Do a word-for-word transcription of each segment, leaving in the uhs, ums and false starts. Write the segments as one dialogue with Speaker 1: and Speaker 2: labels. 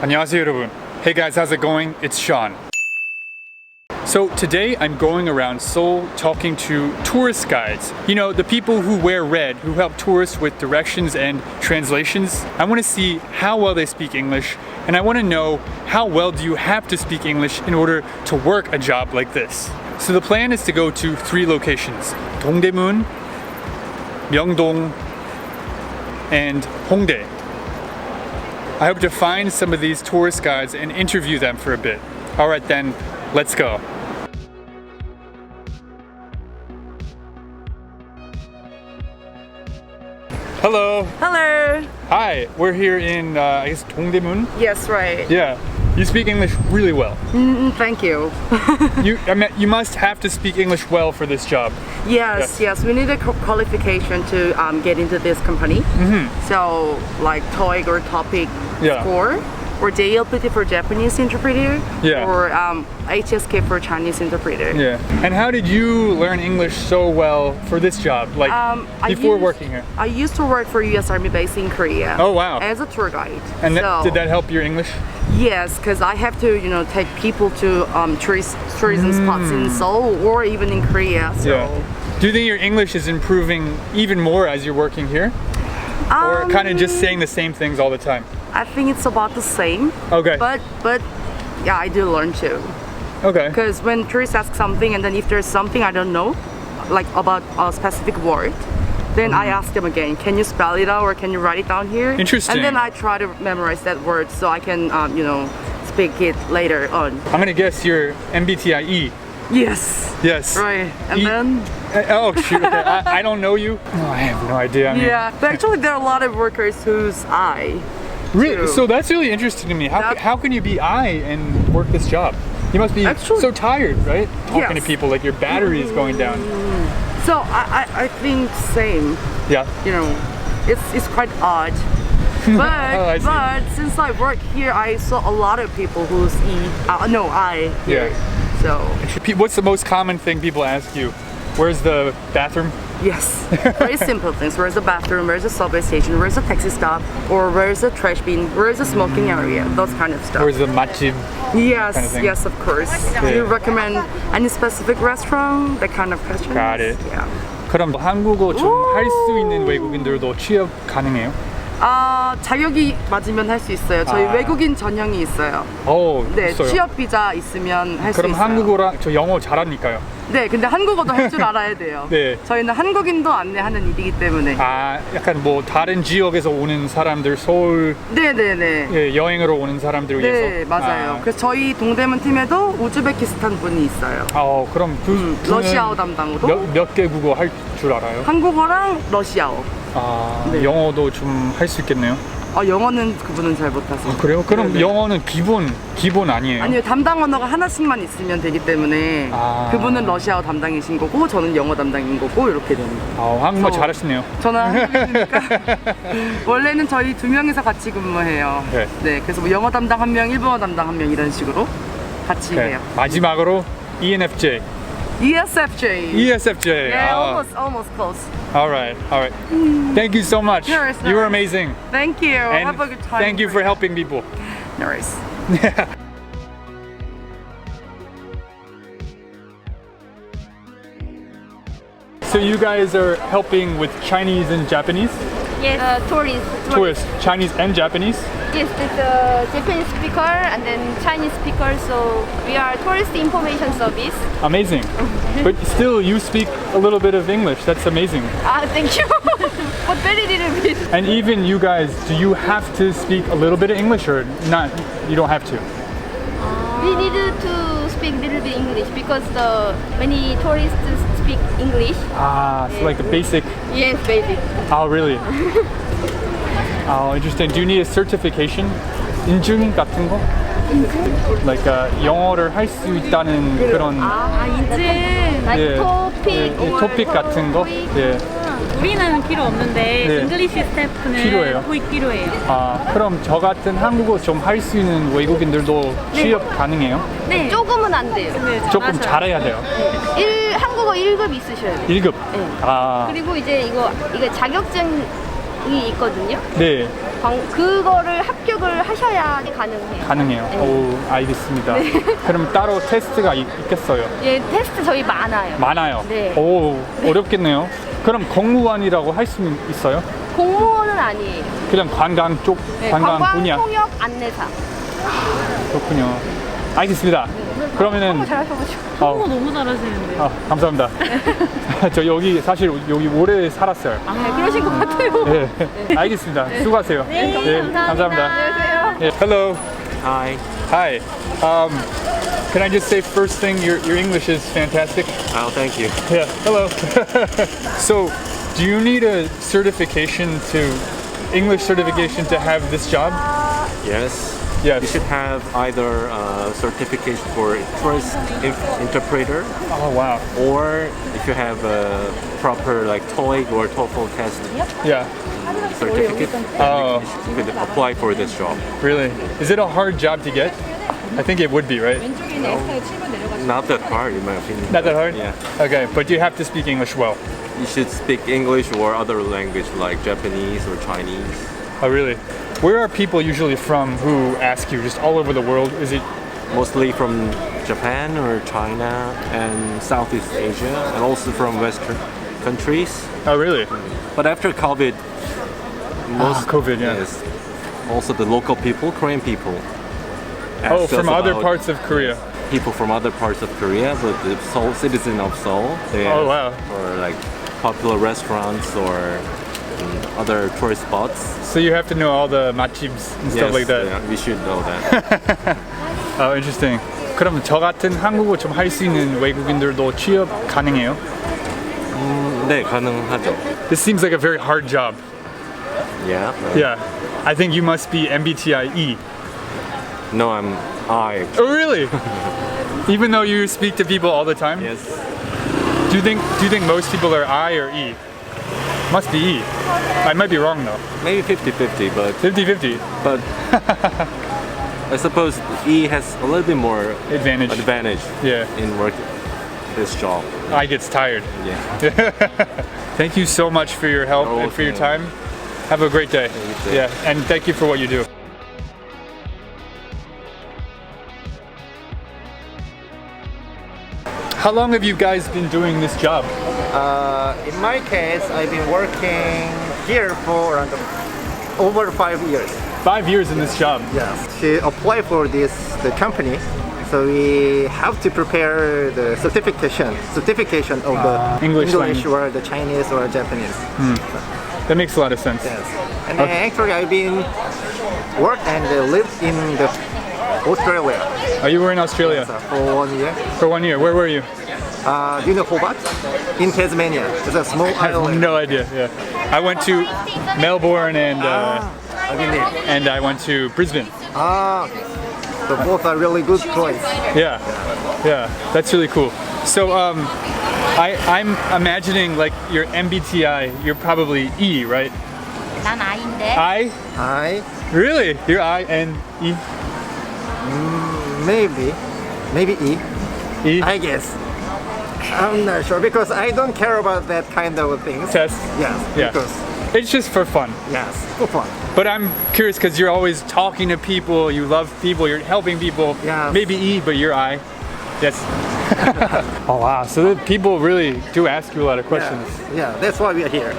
Speaker 1: 안녕하세요 여러분. Hey guys, how's it going? It's Sean. So today I'm going around Seoul talking to tourist guides. You know, the people who wear red, who help tourists with directions and translations. I want to see how well they speak English, and I want to know how well do you have to speak English in order to work a job like this. So the plan is to go to three locations: Dongdaemun, Myeongdong, and Hongdae. I hope to find some of these tourist guides and interview them for a bit. Alright then, let's go. Hello.
Speaker 2: Hello.
Speaker 1: Hi, we're here in, uh, I guess, Dongdaemun?
Speaker 2: Yes, right.
Speaker 1: Yeah. You speak English really well.
Speaker 2: Mm, thank you.
Speaker 1: you, I mean, you must have to speak English well for this job.
Speaker 2: Yes, yes, yes. We need a qualification to um, get into this company. Mm-hmm. So, like TOEIC or TOPIC
Speaker 1: Yeah.
Speaker 2: score, or J L P T for Japanese interpreter,
Speaker 1: Yeah.
Speaker 2: or um, H S K for Chinese interpreter.
Speaker 1: Yeah. And how did you learn English so well for this job? Like
Speaker 2: Um, I
Speaker 1: before
Speaker 2: used-
Speaker 1: working here?
Speaker 2: I used to work for U S Army base in Korea.
Speaker 1: Oh, wow.
Speaker 2: As a tour guide.
Speaker 1: And that,
Speaker 2: so,
Speaker 1: did that help your English?
Speaker 2: Yes, because I have to, you know, take people to um, tourist tourism spots in Seoul or even in Korea. So.
Speaker 1: Mm. Yeah. Do you think your English is improving even more as you're working here? Or
Speaker 2: Um,
Speaker 1: kind of just saying the same things all the time?
Speaker 2: I think it's about the same.
Speaker 1: Okay.
Speaker 2: But but yeah, I do learn too.
Speaker 1: Okay.
Speaker 2: Because when tourists ask something, and then if there's something I don't know, like about a specific word, then I ask them again. Can you spell it out, or can you write it down here?
Speaker 1: Interesting.
Speaker 2: And then I try to memorize that word so I can, um, you know, speak it later on.
Speaker 1: I'm gonna guess you're M B T I E.
Speaker 2: Yes.
Speaker 1: Yes.
Speaker 2: Right. And
Speaker 1: E-
Speaker 2: then.
Speaker 1: Uh, oh shoot! Okay. I, I don't know you. No, I have no idea. I mean,
Speaker 2: Yeah, but actually there are a lot of workers whose I.
Speaker 1: Really?
Speaker 2: too.
Speaker 1: So that's really interesting to me. How,
Speaker 2: That-
Speaker 1: ca- how can you be I and work this job? You must be
Speaker 2: Actually-
Speaker 1: so tired, right? Talking to
Speaker 2: Yes.
Speaker 1: people like your battery is going down.
Speaker 2: So I, I, I think same.
Speaker 1: Yeah.
Speaker 2: You know, it's it's quite odd. But
Speaker 1: Oh, I see.
Speaker 2: but since I work here, I saw a lot of people who's E. Uh, no, I. Here.
Speaker 1: Yeah.
Speaker 2: So
Speaker 1: Pe- What's the most common thing people ask you? Where's the bathroom?
Speaker 2: yes, very simple things. Where's the bathroom? Where's the subway station? Where's the taxi stop? Or where's the trash bin? Where's the smoking area? Those kind of stuff.
Speaker 1: Where's the matjib?
Speaker 2: yes,
Speaker 1: kind of thing?
Speaker 2: yes, of course. Do you recommend any specific restaurant? That kind of questions.
Speaker 1: Got it.
Speaker 2: Yeah.
Speaker 1: 그럼 한국어 좀 할 수 있는 외국인들도 취업 가능해요?
Speaker 2: 아 자격이 맞으면 할 수 있어요. 저희
Speaker 1: 아.
Speaker 2: 외국인 전형이 있어요.
Speaker 1: 어,
Speaker 2: 네,
Speaker 1: 있어요.
Speaker 2: 취업 비자 있으면 할 수
Speaker 1: 그럼
Speaker 2: 있어요.
Speaker 1: 한국어랑 저 영어 잘하니까요.
Speaker 2: 네, 근데 한국어도 할 줄 알아야 돼요.
Speaker 1: 네.
Speaker 2: 저희는 한국인도 안내하는 일이기 때문에.
Speaker 1: 아, 약간 뭐 다른 지역에서 오는 사람들, 서울
Speaker 2: 네, 네, 네.
Speaker 1: 예, 여행으로 오는 사람들 위해서.
Speaker 2: 네, 맞아요.
Speaker 1: 아,
Speaker 2: 그래서 저희 동대문 팀에도 우즈베키스탄 분이 있어요.
Speaker 1: 어, 그럼 그
Speaker 2: 음,
Speaker 1: 분은
Speaker 2: 러시아어 담당으로.
Speaker 1: 몇, 몇 개 국어 할 줄 알아요?
Speaker 2: 한국어랑 러시아어.
Speaker 1: 아,
Speaker 2: 네.
Speaker 1: 영어도 좀 할 수 있겠네요.
Speaker 2: 어, 영어는 그분은 잘 못하세요.
Speaker 1: 그래요? 그럼
Speaker 2: 네, 네.
Speaker 1: 영어는 기본 기본 아니에요?
Speaker 2: 아니요, 담당 언어가 하나씩만 있으면 되기 때문에
Speaker 1: 아.
Speaker 2: 그분은 러시아어 담당이신 거고 저는 영어 담당인 거고 이렇게 됩니다.
Speaker 1: 아, 한국말
Speaker 2: 저-
Speaker 1: 잘하시네요.
Speaker 2: 저는 한국인이니까 원래는 저희 두 명이서 같이 근무해요.
Speaker 1: 네.
Speaker 2: 네, 그래서 뭐 영어 담당 한 명, 일본어 담당 한 명 이런 식으로 같이
Speaker 1: 네.
Speaker 2: 해요.
Speaker 1: 마지막으로 E N F J.
Speaker 2: E S F J.
Speaker 1: E S F J.
Speaker 2: Yeah,
Speaker 1: 아,
Speaker 2: almost, almost close.
Speaker 1: all right, all right. Thank you so much.
Speaker 2: Sure, it's
Speaker 1: You were
Speaker 2: nice.
Speaker 1: amazing.
Speaker 2: Thank you.
Speaker 1: And
Speaker 2: Have a good time.
Speaker 1: thank you for helping people.
Speaker 2: No worries.
Speaker 1: So you guys are helping with Chinese and Japanese?
Speaker 3: Yes, uh, tourists.
Speaker 1: Tourists, Chinese and Japanese?
Speaker 3: Yes, it's a Japanese speaker and then Chinese speaker. So we are tourist information service.
Speaker 1: Amazing. But still, you speak a little bit of English. That's amazing.
Speaker 3: Ah, thank you. But very little bit.
Speaker 1: And even you guys, do you have to speak a little bit of English or not? You don't have to.
Speaker 3: We need to speak little bit English because the many tourists speak English.
Speaker 1: Ah, so like a basic.
Speaker 3: Yes, basic.
Speaker 1: Oh, really? Oh, interesting. Do you need a certification? 인증 같은 거? Like uh, 영어를 할 수 있다는 그런
Speaker 4: 아, 인증.
Speaker 3: Like
Speaker 1: 예,
Speaker 3: topic
Speaker 1: 예, 예,
Speaker 3: or
Speaker 1: 토픽 같은 거? 예.
Speaker 4: 우리는 필요 없는데
Speaker 1: 네.
Speaker 4: 잉글리시 스태프는
Speaker 1: 필요해요?
Speaker 4: 토익 필요해요.
Speaker 1: 아, 그럼 저 같은 한국어 좀 할 수 있는 외국인들도 취업 가능해요?
Speaker 3: 네. 조금은 안 돼요.
Speaker 1: 조금 잘해야 돼요.
Speaker 3: 일, 한국어 일 급 있으셔야 돼요.
Speaker 1: 일 급.
Speaker 3: 네.
Speaker 1: 아,
Speaker 3: 그리고 이제 이거 이거 자격증 있거든요.
Speaker 1: 네,
Speaker 3: 광- 그거를 합격을 하셔야 가능해요.
Speaker 1: 가능해요.
Speaker 3: 네.
Speaker 1: 오, 알겠습니다. 그럼 따로 테스트가 있, 있겠어요?
Speaker 3: 예, 테스트 저희 많아요.
Speaker 1: 많아요.
Speaker 3: 네.
Speaker 1: 오, 어렵겠네요. 그럼 공무원이라고 할 수 있어요?
Speaker 3: 공무원은 아니에요.
Speaker 1: 그냥 관광 쪽,
Speaker 3: 네,
Speaker 1: 관광
Speaker 3: 관광
Speaker 1: 분야.
Speaker 3: 통역 안내사.
Speaker 1: 그렇군요. 알겠습니다. 그러면은
Speaker 3: 너무 잘하셔가지고.
Speaker 1: 어,
Speaker 4: 너무 잘하시는데.
Speaker 1: 아, 감사합니다. 저 여기 사실 여기 오래 살았어요.
Speaker 3: 네, 그러신 것 같아요.
Speaker 1: 네, 알겠습니다. 수고하세요.
Speaker 3: 네, 감사합니다. 안녕하세요.
Speaker 1: 네, hello.
Speaker 5: Hi.
Speaker 1: Hi. Um, can I just say first thing, your your English is fantastic.
Speaker 5: Oh, thank you.
Speaker 1: Yeah. Hello. So, do you need a certification to English certification to have this job?
Speaker 5: Yes.
Speaker 1: Yes.
Speaker 5: You should have either a certification for tourist inf- interpreter,
Speaker 1: Oh wow.
Speaker 5: or if you have a proper like TOEIC or TOEFL test
Speaker 1: Yeah.
Speaker 5: certificate,
Speaker 1: Oh,
Speaker 5: you could apply for this job.
Speaker 1: really? Is it a hard job to get? I think it would be, right?
Speaker 5: Not that hard, in my opinion.
Speaker 1: Not that hard?
Speaker 5: Yeah.
Speaker 1: Okay, but you have to speak English well.
Speaker 5: You should speak English or other language like Japanese or Chinese.
Speaker 1: Oh, really? Where are people usually from who ask you? Just all over the world? Is it?
Speaker 5: Mostly from Japan or China and Southeast Asia, and also from Western countries.
Speaker 1: Oh, really?
Speaker 5: But after COVID, most
Speaker 1: COVID, yeah.
Speaker 5: yes, also the local people, Korean people.
Speaker 1: Oh,
Speaker 5: ask
Speaker 1: from
Speaker 5: us
Speaker 1: other
Speaker 5: about
Speaker 1: parts of Korea.
Speaker 5: People from other parts of Korea, but the Seoul citizen of Seoul, they
Speaker 1: Oh,
Speaker 5: ask
Speaker 1: wow.
Speaker 5: for like popular restaurants or um, other tourist spots.
Speaker 1: So you have to know all the matchibs and stuff
Speaker 5: Yes,
Speaker 1: like that.
Speaker 5: yeah, we should know that.
Speaker 1: Oh, interesting. 그럼 저 같은 한국어 좀 할 수 있는 외국인들도 취업 가능해요?
Speaker 5: 네, 가능하죠.
Speaker 1: This seems like a very hard job.
Speaker 5: Yeah.
Speaker 1: Yeah. I think you must be M B T I E.
Speaker 5: No, I'm I.
Speaker 1: Oh, really? Even though you speak to people all the time?
Speaker 5: Yes.
Speaker 1: Do you think do you think most people are I or E? Must be E. I might be wrong though.
Speaker 5: Maybe fifty-fifty, but
Speaker 1: fifty fifty.
Speaker 5: but I suppose E has a little bit more
Speaker 1: Advantage.
Speaker 5: advantage
Speaker 1: Yeah.
Speaker 5: in work this job.
Speaker 1: I gets tired.
Speaker 5: Yeah.
Speaker 1: Thank you so much for your help
Speaker 5: You're
Speaker 1: and for your
Speaker 5: welcome.
Speaker 1: time. Have a great day.
Speaker 5: You too.
Speaker 1: Yeah, and thank you for what you do. How long have you guys been doing this job?
Speaker 6: Uh, in my case, I've been working here for around over five years.
Speaker 1: Five years in this job.
Speaker 6: Yes. To apply for this the company, so we have to prepare the certification certification of the
Speaker 1: Uh, English language.
Speaker 6: or the Chinese or Japanese.
Speaker 1: That makes a lot of sense.
Speaker 6: Yes. And then actually, I've been worked and uh, lived in the Australia
Speaker 1: Oh, you were in Australia
Speaker 6: so for one year.
Speaker 1: for one year. Where were you?
Speaker 6: Uh, do you know Hobart? In Tasmania. It's a small
Speaker 1: I have
Speaker 6: island.
Speaker 1: no idea. Yeah, I went to Melbourne and uh,
Speaker 6: I've been there.
Speaker 1: and I went to Brisbane.
Speaker 6: Ah, okay. So both are really good choice.
Speaker 1: Yeah, yeah, that's really cool. So um, I I'm imagining like your M B T I. You're probably E, right?
Speaker 3: 난 아인데.
Speaker 1: I
Speaker 6: I
Speaker 1: really? You're I and E.
Speaker 6: maybe maybe E.
Speaker 1: E
Speaker 6: I guess. I'm not sure because I don't care about that kind of things.
Speaker 1: test.
Speaker 6: Yes.
Speaker 1: Yeah.
Speaker 6: Because
Speaker 1: It's just for fun.
Speaker 6: yes, for fun.
Speaker 1: But I'm curious because you're always talking to people. You love people. You're helping people.
Speaker 6: Yes.
Speaker 1: Maybe E, but you're I. Yes. Oh wow! So the people really do ask you a lot of questions.
Speaker 6: Yeah, that's why we are here.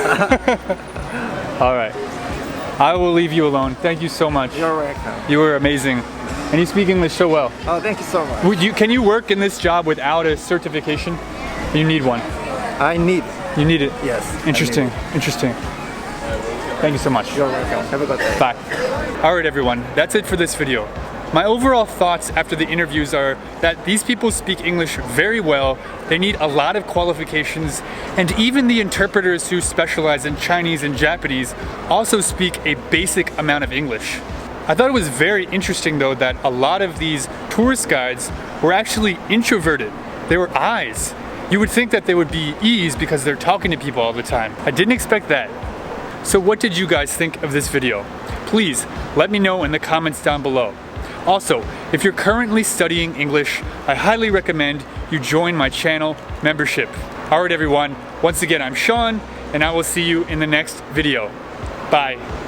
Speaker 1: All right. I will leave you alone. Thank you so much.
Speaker 6: You're welcome.
Speaker 1: You were amazing, and you speak English so well.
Speaker 6: Oh, thank you so much.
Speaker 1: Would you? Can you work in this job without a certification? You need one.
Speaker 6: I need.
Speaker 1: You need it.
Speaker 6: Yes. I
Speaker 1: Interesting.
Speaker 6: need
Speaker 1: Interesting. Thank you so much.
Speaker 6: it. You're welcome. Have a good day.
Speaker 1: Bye. All right, everyone. That's it for this video. My overall thoughts after the interviews are that these people speak English very well, they need a lot of qualifications, and even the interpreters who specialize in Chinese and Japanese also speak a basic amount of English. I thought it was very interesting though that a lot of these tourist guides were actually introverted. They were I's. You would think that they would be E's because they're talking to people all the time. I didn't expect that. So what did you guys think of this video? Please let me know in the comments down below. Also, if you're currently studying English, I highly recommend you join my channel membership. Alright everyone, once again I'm Sean, and I will see you in the next video. Bye.